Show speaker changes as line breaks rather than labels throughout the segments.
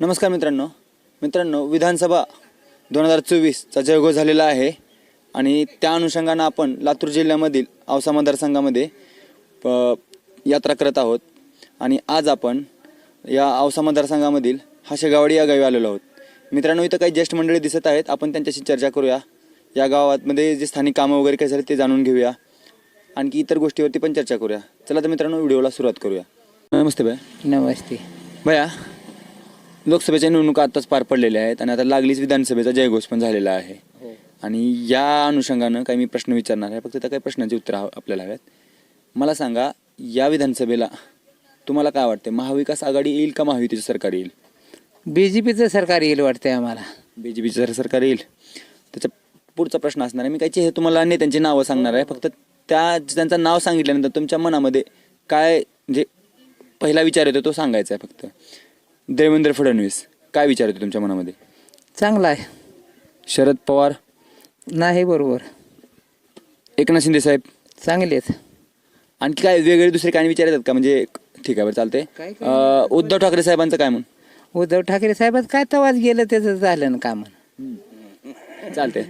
नमस्कार मित्रांनो विधानसभा 2024चा जयघोष झालेला आहे आणि त्या अनुषंगानं आपण लातूर जिल्ह्यामधील औसा मतदारसंघामध्ये यात्रा करत आहोत आणि आज आपण या औसा मतदारसंघामधील हाशेगावडी या गावी आलेलो आहोत। मित्रांनो, इथं काही ज्येष्ठ मंडळी दिसत आहेत, आपण त्यांच्याशी चर्चा करूया। या गावामध्ये जे स्थानिक कामं वगैरे काय झाले ते जाणून घेऊया, आणखी इतर गोष्टीवरती पण चर्चा करूया। चला तर मित्रांनो, व्हिडिओला सुरुवात करूया। नमस्ते भैया।
नमस्ते
भैया, लोकसभेच्या निवडणुका आताच पार पडलेल्या आहेत आणि आता लागलीच विधानसभेचा जयघोष पण झालेला आहे आणि या अनुषंगानं काही मी प्रश्न विचारणार आहे, फक्त त्या काही प्रश्नांची उत्तर आपल्याला हव्यात। मला सांगा, या विधानसभेला तुम्हाला काय वाटते, महाविकास आघाडी येईल का महायुतीचं सरकार येईल?
बीजेपीचं सरकार येईल वाटतंय आम्हाला।
बीजेपीचं सरकार येईल। त्याचा पुढचा प्रश्न असणार आहे, मी काही हे तुम्हाला नेत्यांची नावं सांगणार आहे, फक्त त्यांचं नाव सांगितल्यानंतर तुमच्या मनामध्ये काय म्हणजे पहिला विचार येतो तो सांगायचा आहे फक्त। देवेंद्र फडणवीस, काय विचार येतो तुमच्या मनामध्ये?
चांगला आहे।
शरद पवार?
नाही, बरोबर।
एकनाथ शिंदे साहेब?
चांगले आहेत।
आणखी काय वेगळे दुसरे काय विचार येतात का? म्हणजे ठीक आहे, बरं चालते। उद्धव ठाकरे साहेबांचं काय म्हण?
उद्धव ठाकरे साहेबात काय तवाच गेलं त्याचं झालं ना काम।
चालते।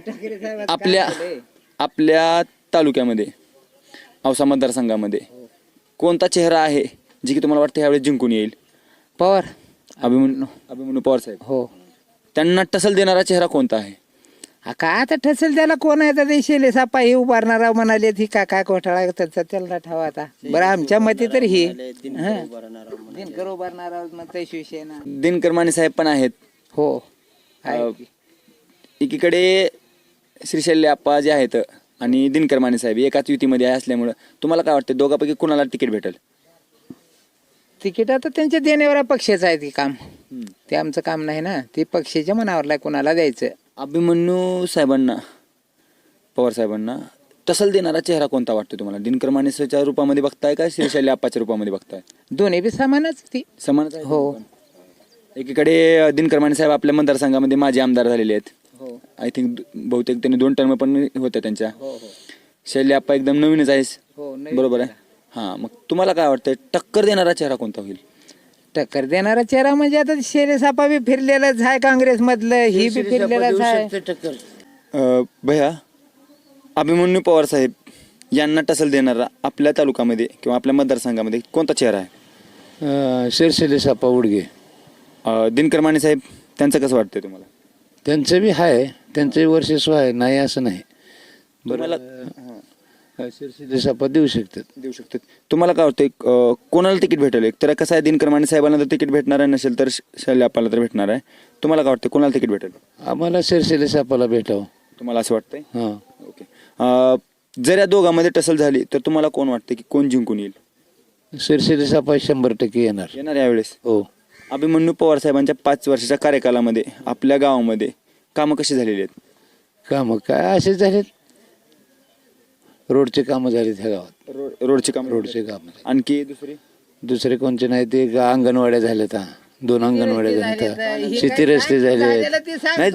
आपल्या तालुक्यामध्ये औसा मतदारसंघामध्ये कोणता चेहरा आहे जी की तुम्हाला वाटतं ह्यावेळेस जिंकून येईल?
पवार,
अभिमन्यू पवार साहेब।
हो।
त्यांना टसल देणारा चेहरा कोणता आहे?
काय आता ठसेल त्याला, कोण आहे तर शेले सापा हे उभारणारा म्हणाले, ती काय घोटाळा त्याचा त्याला ठावा आता। बरं, आमच्या मते तर ही दिनकर उभारणारा म्हणते शिवसेना।
दिनकर माने साहेब पण आहेत।
हो।
एकीकडे श्रीशैल्य आप्पा जे आहेत आणि दिनकर माने साहेब एकाच युतीमध्ये आहे असल्यामुळं तुम्हाला काय वाटतं, दोघांपैकी कुणाला तिकीट भेटेल?
तिकीट आता त्यांच्या देण्यावर पक्षाचं आहे, ती काम ते आमचं काम नाही ना, ते पक्षाच्या मनावरला कोणाला द्यायचं।
अभिमन्यू साहेबांना, पवार साहेबांना टसल देणारा चेहरा कोणता वाटतो तुम्हाला? दिनकर मानेच्या रूपामध्ये बघताय का श्रीशैल्य आप्पाच्या रूपामध्ये बघताय?
दोन्ही बी समानच, ती
समानच आहे।
हो।
एकीकडे दिनकर माने साहेब आपल्या मतदारसंघामध्ये माजी आमदार झालेले आहेत। आय थिंक बहुतेक त्यांनी 2 टर्म पण होत्या त्यांच्या। शैल्य आप्पा एकदम नवीनच आहेस, बरोबर आहे? हा, मग तुम्हाला काय वाटतंय, टक्कर देणारा चेहरा कोणता होईल?
टक्कर देणारा चेहरा म्हणजे आता शेरे सापा बी फिरलेलाच आहे काँग्रेस मधलं, ही बी फिरलेलाच आहे।
भैया, अभिमन्यू पवार साहेब यांना टसल देणारा आपल्या तालुक्यामध्ये किंवा आपल्या मतदारसंघामध्ये कोणता चेहरा आहे?
शिरशिले सापा उडगे।
दिनकर माने साहेब, त्यांचं कसं वाटतंय तुम्हाला?
त्यांचं बी आहे, त्यांचंही वर्चस्व आहे, नाही असं नाही।
तुम्हाला
शिरशिले सापा देऊ शकतात।
तुम्हाला काय वाटतंय, कोणाला तिकीट भेटेल? एक तर कसं आहे, दिनकर माने साहेबांना तर तिकीट भेटणार आहे, नसेल तर शैल्य आप्पाला तर भेटणार आहे। तुम्हाला काय वाटतं, कोणाला तिकीट भेटेल?
आम्हाला शिरशिले सापाला भेटावं,
तुम्हाला असं वाटतंय?
हां।
ओके। जर या दोघांमध्ये टसल झाली तर तुम्हाला कोण वाटतं की कोण जिंकून येईल?
शिरशिले सापा 100% येणार
यावेळेस?
हो।
अभिमन्यू पवार साहेबांच्या 5 वर्षाच्या कार्यकालामध्ये आपल्या गावामध्ये कामं कशी झालेली आहेत?
कामं काय असेच झालेत, रोडचे कामं झालेत ह्या गावात।
रोडचे काम? आणखी
दुसरे कोणते नाही, ते अंगणवाड्या झाल्यात, 2 अंगणवाड्या झाल्यात, शेती रस्ते झाले नाही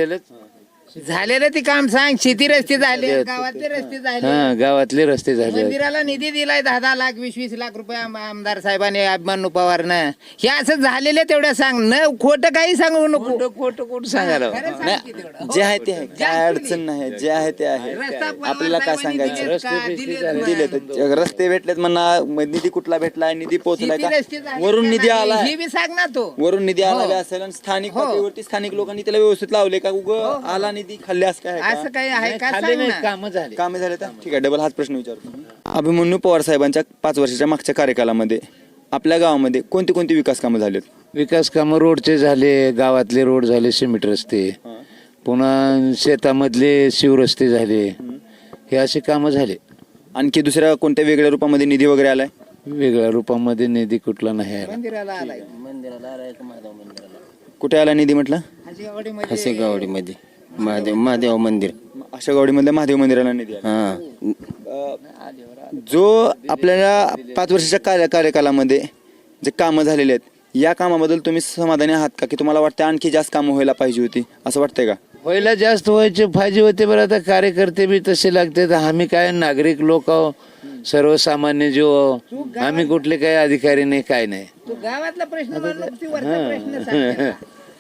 झालेलं ती काम सांग। शेती रस्ते झाले, गावातले रस्ते झाले,
हा, गावातले रस्ते झाले।
मंदिराला निधी दिलाय 10-10 लाख 20-20 लाख रुपये आमदार साहेबांनी, अभिमन्यू पवारनं। हे असं झालेलं तेवढ्या सांग, न खोटं काही सांगू नको।
खोटं सांगायला
जे आहे ते आहे, काय अडचण नाही, जे आहे ते आहे। आपल्याला काय सांगायचं? दिले तर रस्ते भेटलेत म्हणा, निधी कुठला भेटलाय, निधी पोहोचलाय का, वरून निधी आला,
हे बी सांग ना तो।
वरून निधी आला असेल आणि स्थानिक पातळीवरती स्थानिक लोकांनी त्याला व्यवस्थित लावले का, आला निधी खाल्ल्यास काय
असं काही आहे का?
कामं
झाले तर ठीक आहे, डबल हाच प्रश्न विचारतो। अभिमन्यू पवार साहेबांच्या 5 वर्षाच्या मागच्या कार्यकालामध्ये आपल्या गावामध्ये कोणती विकास कामं झालेत?
विकास कामं रोडचे झाले, गावातले रोड झाले, सिमेंट रस्ते, पुन्हा शेतामधले शिवरस्ते झाले, हे असे कामं झाले।
आणखी दुसऱ्या कोणत्या वेगळ्या रूपामध्ये निधी वगैरे आलाय?
वेगळ्या रूपामध्ये निधी कुठला नाही आला।
मंदिराला आलाय,
कुठे आला निधी म्हटलं?
हाशेगावडीमध्ये महादेव मंदिर,
हाशेगावडीमधल्या महादेव मंदिराला निधी आला। जो आपल्याला 5 वर्षाच्या कार्यकालामध्ये जे कामं झालेले आहेत, या कामाबद्दल तुम्ही समाधानी आहात का, की तुम्हाला वाटतं आणखी जास्त कामं व्हायला पाहिजे होती, असं वाटतंय का?
व्हायला जास्त व्हायचे पाहिजे होते, बरं आता कार्यकर्ते बी तसे लागते, आम्ही काय नागरिक लोक आहो, सर्वसामान्य जीव आहो, आम्ही कुठले काही अधिकारी नाही, काय नाही।
तू गावातला प्रश्न मांडला, ती वरचा प्रश्न सांग.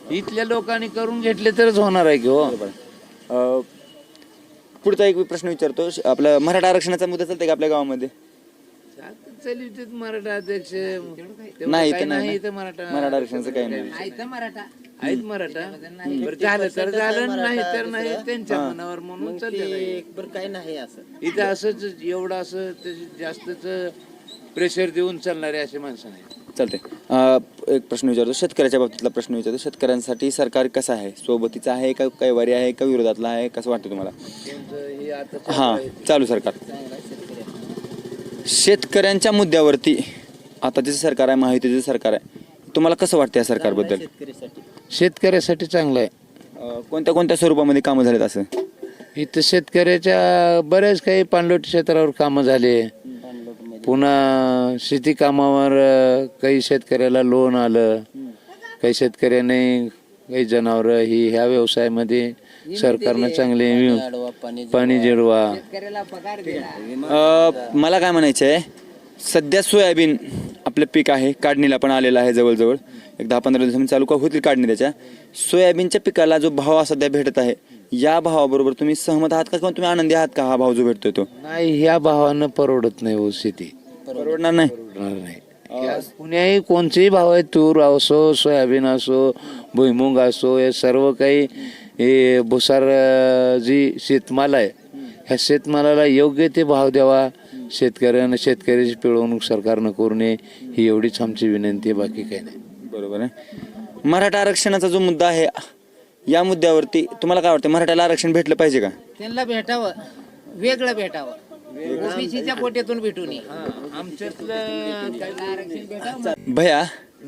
इथल्या लोकांनी करून घेतले तरच होणार आहे की हो.
अ, पुढचा एक प्रश्न विचारतो. आपलं मराठा आरक्षणाचा मुद्दा चालतंय का आपल्या गावामध्ये?
चलित मराठा अध्यक्ष
नाही,
काही
इथं नाही
नाही
ना.
इथं मराठा
मराठा आरक्षणाचं काही नाही.
आहेत मराठा. बरं झालं तर झालं, नाही तर नाही, त्यांच्या मनावर म्हणून चाललेलं आहे.
बरं काय नाही असं.
इथं असंच एवढं असं जास्तच प्रेशर देऊन चालणारे असे माणसं नाही.
चालतंय. एक प्रश्न विचारतो, शेतकऱ्याच्या बाबतीतला प्रश्न विचारतो. शेतकऱ्यांसाठी सरकार कसं आहे? सोबतीचं आहे का कैवारी आहे का विरोधातला आहे? कसं वाटतं तुम्हाला?
त्यांचं हे आता
हां, चालू सरकार. शेतकऱ्यांच्या मुद्द्यावरती आता जे सरकार आहे, महायुतीचं सरकार आहे, तुम्हाला कसं वाटतं या सरकारबद्दल?
शेतकऱ्यासाठी चांगलं आहे.
कोणत्या कोणत्या स्वरूपामध्ये कामं झालेत असं?
इथं शेतकऱ्याच्या बऱ्याच काही पाणलोट क्षेत्रावर कामं झाले. पुन्हा शेती कामावर काही शेतकऱ्याला लोन आलं. काही शेतकऱ्याने काही जनावरं ही ह्या व्यवसायामध्ये सरकारनं चांगले पाणी जिरवा.
शेतकऱ्याला पगार दिला.
मला काय म्हणायचं आहे, सध्या सोयाबीन आपलं पीक आहे, काढणीला पण आलेलं आहे जवळजवळ. एक 10-15 दिवसांनी चालू का होतील काढणी त्याच्या. सोयाबीनच्या पिकाला जो भाव सध्या भेटत आहे, या भावाबरोबर तुम्ही सहमत आहात का किंवा तुम्ही आनंदी आहात का? हा भाव जो भेटतोय तो
नाही, ह्या भावानं परवडत नाही हो शेती.
परवडणार नाही.
परवडणार नाही. कुण्याही कोणतेही भाव आहे, तूर असो, सोयाबीन असो, भुईमुग असो, हे सर्व काही हे भुसार जी शेतमाल आहे, ह्या शेतमालाला योग्य ते भाव द्यावा. शेतकऱ्यानं शेतकऱ्याची पिळवणूक सरकारनं करू नये, ही एवढीच आमची विनंती आहे, बाकी काही नाही.
बरोबर आहे. मराठा आरक्षणाचा जो मुद्दा आहे, या मुद्द्यावरती तुम्हाला काय वाटतं? मराठ्याला आरक्षण भेटलं पाहिजे का?
त्यांना भेटावं, वेगळं भेटावं, ओबीसीच्या कोट्यातून भेटू नये. आरक्षण भेटावं.
भया,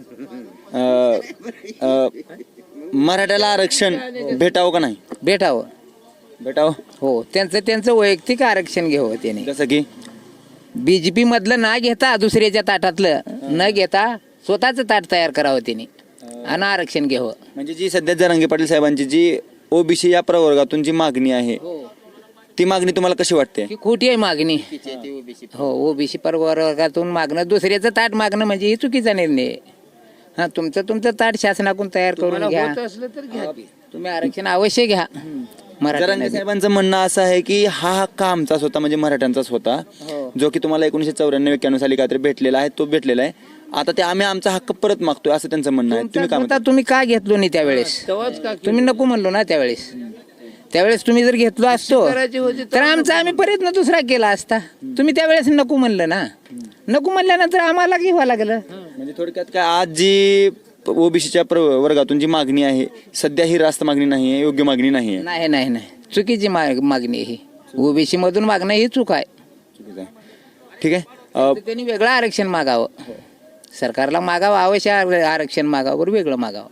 मराठ्याला आरक्षण भेटावं का नाही?
भेटावं.
भेटावं.
हो, त्यांचं वैयक्तिक आरक्षण घ्यावं त्याने.
जसं की
बीजेपी मधलं ना घेता दुसऱ्याच्या ताटातलं न घेता स्वतःच ताट तयार करावं त्याने आणि आरक्षण घ्यावं.
म्हणजे जी सध्या जरांगे पाटील साहेबांची जी ओबीसी या प्रवर्गातून जी मागणी आहे, ती मागणी तुम्हाला कशी वाटते?
ही खोटी आहे मागणी. हो, ओबीसी प्रवर्गातून मागणं, दुसऱ्याचं ताट मागणं म्हणजे ही चुकीचा निर्णय आहे. हा, तुमचं ताट शासनाकडून तयार करून घ्या.
असलं तर घ्या की.
तुम्ही आरक्षण अवश्य घ्या.
जरांगे साहेबांचं म्हणणं असं आहे की हा हक्क आमचाच होता, म्हणजे मराठ्यांचाच होता,
हो.
जो की तुम्हाला 1994-91 साली काहीतरी भेटलेला आहे, तो भेटलेला आहे. आता ते आम्ही आमचा हक्क परत मागतोय, असं त्यांचं म्हणणं आहे. तुम्ही काय म्हणता?
तुम्ही का घेतलो नाही त्यावेळेस?
तेव्हाच का
तुम्ही नको म्हणलो ना त्यावेळेस तुम्ही जर घेतलो असतो तर आमचा आम्ही प्रयत्न दुसरा केला असता. तुम्ही त्यावेळेस नको म्हणलं ना. नको म्हणल्यानंतर आम्हाला घ्यावं लागलं.
म्हणजे थोडक्यात काय, आज जी ओबीसीच्या वर्गातून जी मागणी आहे, सध्या ही रास्त मागणी नाही आहे, योग्य मागणी नाही आहे.
नाही, चुकीची मागणी आहे ही. ओबीसी मधून मागणं ही चूक आहे.
चुकीचं आहे. ठीक आहे.
तर त्यांनी वेगळं आरक्षण मागावं. सरकारला मागावं, आवश्यक आरक्षण मागावं, बरं वेगळं मागावं.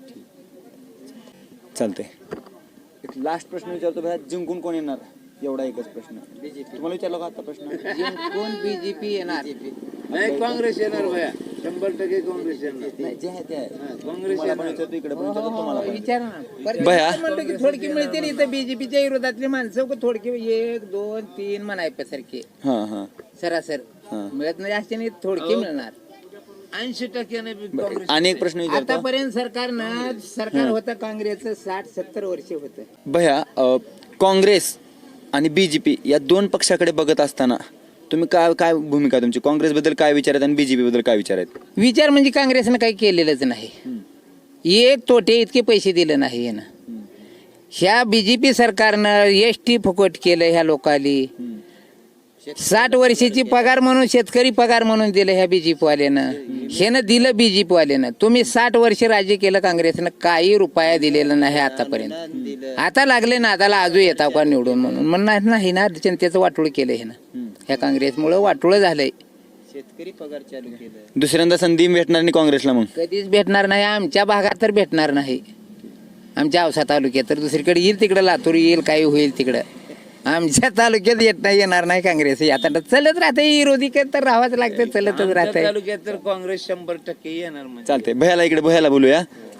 चालतंय. एक लास्ट प्रश्न विचारतो भैया, जिंकून कोण येणार? एवढा एकच प्रश्न. तुम्हाला विचारलो का आता प्रश्न?
कोण बीजेपी येणार?
नाही, काँग्रेस येणार भया, 100% काँग्रेस येणार.
जे आहे ते आहे.
काँग्रेस
मला पण विचारतो, इकडे पण विचारतो, तुम्हाला पण.
विचार ना.
भया.
म्हणलं की थोडकी मिळतील इथं बीजेपीच्या विरोधातली माणसं थोडके 1, 2, 3 म्हणायसारखे
हां.
सरासर मिळत नाही, जास्त नाही, थोडके मिळणार.
80% काँग्रेस.
आणि एक प्रश्न विचारतो
आतापर्यंत सरकार होतं काँग्रेसचं 60-70 वर्ष होतं.
भैया, काँग्रेस आणि बीजेपी या दोन पक्षाकडे बघत असताना तुम्ही काय भूमिका तुमची? काँग्रेस बद्दल काय विचार आहेत आणि बीजेपी बद्दल काय विचार आहेत?
विचार म्हणजे काँग्रेसनं काही केलेलंच नाही. एक तोटे इतके पैसे दिले नाही ना. ह्या बीजेपी सरकारनं एसटी फुकट केलं ह्या लोकांनी. 60 वर्षाची पगार म्हणून शेतकरी पगार म्हणून दिलं ह्या बीजेपी वाल्यानं. ह्यानं दिलं बीजेपी वाल्यानं. तुम्ही 60 वर्ष राज्य केलं काँग्रेसनं, काही रुपया दिलेला नाही आतापर्यंत. आता लागले ना, आताला आजू येता का निवडून म्हणून नाही ना. जनतेचं वाटोळ केलं ह्यानं. ह्या काँग्रेसमुळं वाटोळ झालंय.
शेतकरी पगार चालू केलं.
दुसऱ्यांदा संधी भेटणार नाही काँग्रेसला? मग
कधीच भेटणार नाही. आमच्या भागात तर भेटणार नाही. आमच्या औसा तालुक्यात तर दुसरीकडे येईल, तिकडे लातूर येईल, काही होईल तिकडं. आमच्या तालुक्यात येणार नाही काँग्रेस. आता चलत राहते, विरोधी तर राहावंच लागतं, चलतच राहते.
तालुक्यात तर काँग्रेस 100% येणार म्हणजे.
चालतंय. भैयाला इकडे भैयाला बोलूया.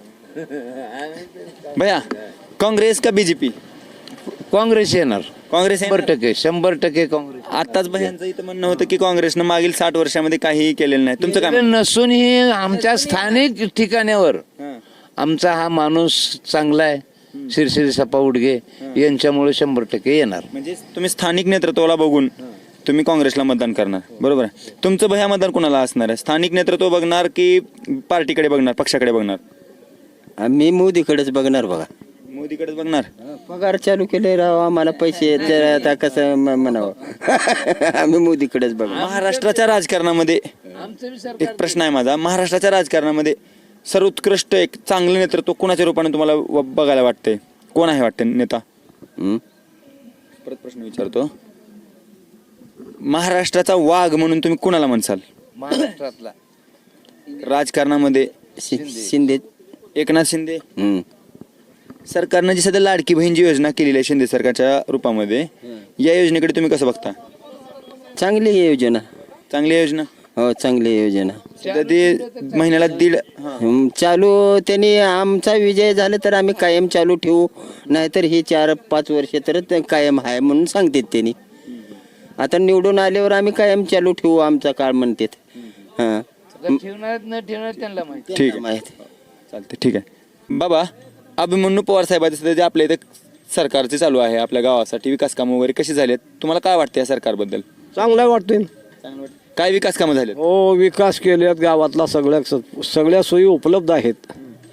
भैया, काँग्रेस का बीजेपी?
काँग्रेस येणार.
काँग्रेस आहे ना?
100% काँग्रेस.
आताच भैयांचं इथं म्हणणं होतं की काँग्रेसनं मागील 60 वर्षामध्ये काहीही केलेलं नाही. तुमचं काय?
नसून ही आमच्या स्थानिक ठिकाणावर आमचा हा माणूस चांगला आहे, शिरशिरी सपा उडगे यांच्यामुळे 100% येणार.
म्हणजे तुम्ही स्थानिक नेतृत्वाला बघून तुम्ही काँग्रेसला मतदान करणार, बरोबर आहे. तुमचं भया मतदान कोणाला असणार आहे? स्थानिक नेतृत्व बघणार की पार्टीकडे बघणार, पक्षाकडे बघणार?
आम्ही मोदीकडेच बघणार बघा.
मोदीकडेच बघणार.
पगार चालू केले राव, आम्हाला पैसे तर आता कसं म्हणावं आम्ही मोदीकडेच बघणार.
महाराष्ट्राच्या राजकारणामध्ये एक प्रश्न आहे माझा. महाराष्ट्राच्या राजकारणामध्ये सर्वोत्कृष्ट एक चांगलं नेतृत्व कोणाच्या रूपाने तुम्हाला बघायला वाटतंय? कोण आहे वाटते नेता?
हं?
परत प्रश्न विचारतो. महाराष्ट्राचा वाघ म्हणून तुम्ही कोणाला म्हणसाल
महाराष्ट्रातला
राजकारणामध्ये?
शिंदे.
एकनाथ शिंदे.
हं.
सरकारनं जी सध्या लाडकी बहीण जी योजना केलेली आहे शिंदे सरकारच्या रूपामध्ये, या योजनेकडे तुम्ही कसं बघता?
चांगली आहे योजना.
चांगली आहे योजना.
हो, चांगली आहे योजना.
सध्या ती महिन्याला 1.5
चालू त्यांनी आमचा विजय झाला तर आम्ही कायम चालू ठेवू, नाहीतर ही 4-5 वर्ष तर ते कायम आहे म्हणून सांगतात त्यांनी. आता निवडून आल्यावर आम्ही कायम चालू ठेवू आमचा काळ म्हणतात. हां,
ठेवणार न ठेवणार त्यांना माहिती.
ठीक आहे,
माहिती.
चालते, ठीक आहे. बाबा, अभिमन्यू पवार साहेबांचं सध्या जे आपल्या इथे सरकारचे चालू आहे, आपल्या गावासाठी विकास कामं वगैरे कशी झाली आहेत, तुम्हाला काय वाटतं या सरकारबद्दल?
चांगला वाटतोय.
चांगलं वाटतं. काय विकास कामं झालेत?
हो, विकास केल्यात गावातला सगळ्या सोयी उपलब्ध आहेत.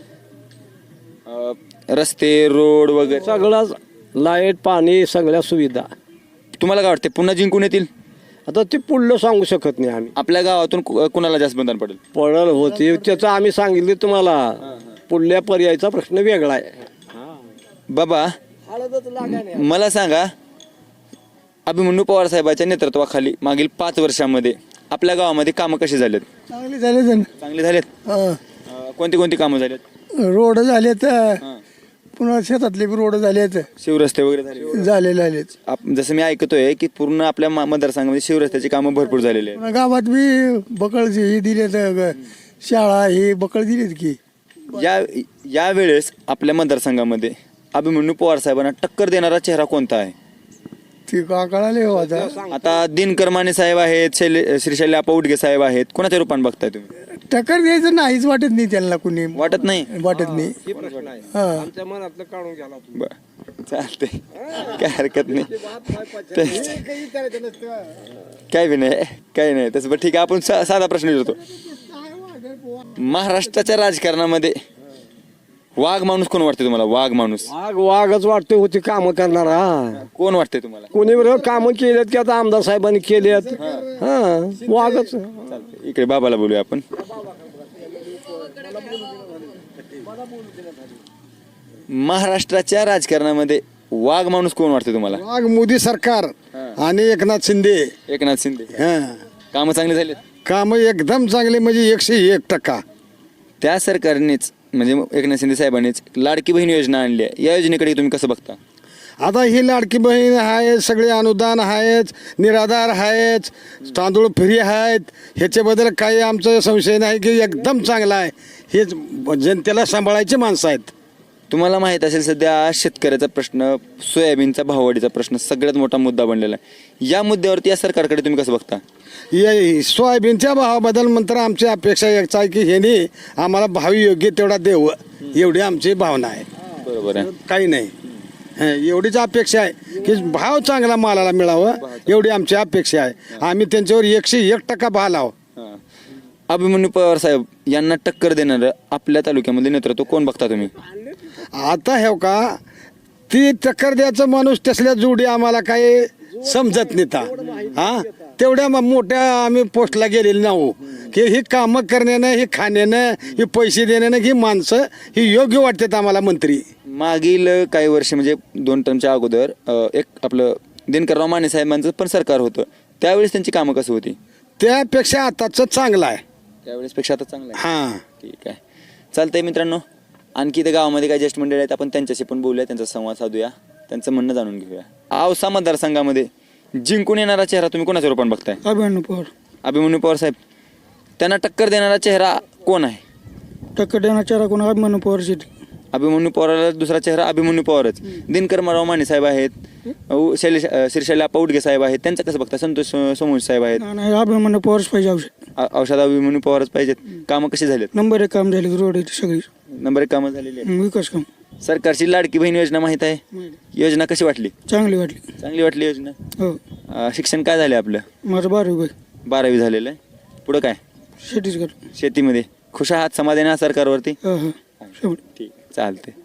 रस्ते, रोड वगैरे
सगळं लाईट, पाणी, सगळ्या सुविधा.
तुम्हाला काय वाटते पुन्हा जिंकून येतील?
आता ते पुढलं सांगू शकत नाही आम्ही.
आपल्या गावातून कुणाला जास्त मतदान पडेल?
पडल होते त्याचं आम्ही सांगितले तुम्हाला. पुढल्या पर्यायचा प्रश्न वेगळा आहे.
बाबा, मला सांगा, अभिमन्यू पवार साहेबांच्या नेतृत्वाखाली मागील 5 वर्षामध्ये आपल्या गावामध्ये कामं कशी झालेत?
चांगले झाले.
चांगले झालेत. कोणती कोणती कामं झालेत?
रोड झालेत, पुन्हा शेतातले बी रोड झालेत,
शिवरस्ते वगैरे झाले?
झालेले आहेत.
जसं मी ऐकतोय की पूर्ण आपल्या मतदारसंघामध्ये शिवरस्त्याची कामं भरपूर झालेली आहेत.
पुन्हा गावात बी बकळ ही दिलेत, शाळा ही बकळ दिलीत की.
या वेळेस आपल्या मतदारसंघामध्ये अभिमन्यू पवार साहेबांना टक्कर देणारा चेहरा कोणता आहे?
ती का कळाले हो आता.
आता दिनकर माने साहेब आहेत, श्रीशैल्य आपा उडगे साहेब आहेत, कोणाच्या रूपाने बघताय तुम्ही?
टक्कर द्यायचं नाहीच वाटत नाही त्यांना, कुणी
वाटत नाही?
वाटत नाही. हा,
बरं, चालते, काय हरकत नाही. काय बी नाही, काही नाही तसं. बरं, ठीक आहे, आपण साधा प्रश्न विचारतो. महाराष्ट्राच्या राजकारणामध्ये वाघ माणूस कोण वाटते तुम्हाला? वाघ माणूस
वाघच वाटतोय होती कामं करणारा.
कोण वाटते तुम्हाला?
कोणी बरं कामं केलेत की आता आमदार साहेबांनी केलेत. हा, वाघच.
चालतंय, इकडे बाबाला बोलूया आपण. महाराष्ट्राच्या राजकारणामध्ये वाघ माणूस कोण वाटते तुम्हाला?
वाघ मोदी सरकार आणि एकनाथ शिंदे.
एकनाथ शिंदे. कामं चांगली झालीत?
काम एकदम चांगले, म्हणजे 101%.
त्या सरकारनेच म्हणजे एकनाथ शिंदे साहेबांनीच लाडकी बहीण योजना आणली आहे, या योजनेकडे तुम्ही कसं बघता?
आता ही लाडकी बहीण आहे, सगळे अनुदान आहेत, निराधार आहेत, तांदूळ फ्री आहेत, ह्याच्याबद्दल काही आमचा संशय नाही की एकदम चांगला आहे. हेच जनतेला सांभाळायची माणसं आहेत.
तुम्हाला माहीत असेल सध्या शेतकऱ्याचा प्रश्न, सोयाबीनचा भाववाढीचा प्रश्न सगळ्यात मोठा मुद्दा बनलेला आहे. या मुद्द्यावरती या सरकारकडे तुम्ही कसं बघता?
सोयाबीनच्या भावाबद्दल नंतर आमची अपेक्षा एकच आहे की ह्याने आम्हाला भाव योग्य तेवढा द्यावं, एवढी आमची भावना आहे.
बरोबर आहे.
काही नाही, एवढीच अपेक्षा आहे की भाव चांगला मालाला मिळावं, एवढी आमची अपेक्षा आहे. आम्ही त्यांच्यावर 101% भाव लावू.
अभिमन्यू पवार साहेब यांना टक्कर देणारं आपल्या तालुक्यामध्ये नेतृत्व कोण बघता तुम्ही?
आता हे का ती टक्कर द्यायचं माणूस तसल्या जोडी आम्हाला काही समजत नाही. हा, तेवढ्या मोठ्या आम्ही पोस्टला गेलेली नाहो की ही कामं करण्यानं, ही खाण्यानं, ही पैसे देण्यानं ही माणसं ही योग्य वाटतात आम्हाला मंत्री.
मागील काही वर्ष म्हणजे 2 टर्मच्या अगोदर एक आपलं दिनकरराव माने साहेबांचं पण सरकार होतं, त्यावेळेस त्यांची कामं कसं होती?
त्यापेक्षा आताचं चांगलं आहे.
त्यावेळेस पेक्षा आता चांगलं आहे.
हां,
ठीक आहे, चालतंय मित्रांनो. आणखी इथे गावामध्ये काही ज्येष्ठ मंडळी आहेत, आपण त्यांच्याशी पण बोलूया, त्यांचा संवाद साधूया, त्यांचं म्हणणं जाणून घेऊया. औसा मतदारसंघामध्ये जिंकून येणारा चेहरा तुम्ही कोणाच्या रूपाने बघताय?
अभिमन्यू पवार.
अभिमन्यू पवार साहेब. त्यांना टक्कर देणारा चेहरा कोण आहे?
टक्कर देणारा चेहरा कोण? अभिमन्यू पवार.
अभिमन्यू पवाराला दुसरा चेहरा अभिमन्यू पवारच. दिनकरराव माने साहेब आहेत, श्रीशैल्य आपा उडगे साहेब आहेत, त्यांचं कसं बघता? संतोष सोमवंशी साहेब आहेत.
अभिमन्यू पवारच पाहिजे.
औषधा विमोनी पवारच पाहिजेत. कामं कशी झालीत?
नंबर एक काम झाले रोड सगळी
नंबर 1 कामं झालेली आहेत.
विकास काम
सरकारची लाडकी बहीण योजना माहित आहे? योजना कशी वाटली?
चांगली वाटली.
चांगली वाटली योजना.
हो
शिक्षण काय झालं आपलं?
माझं 12वी बाई
12वी झालेलं आहे. पुढं काय?
छत्तीसगड
शेतीमध्ये खुश आहात? समाधानी आहात सरकारवरती?
हा हा
ठीक चालते.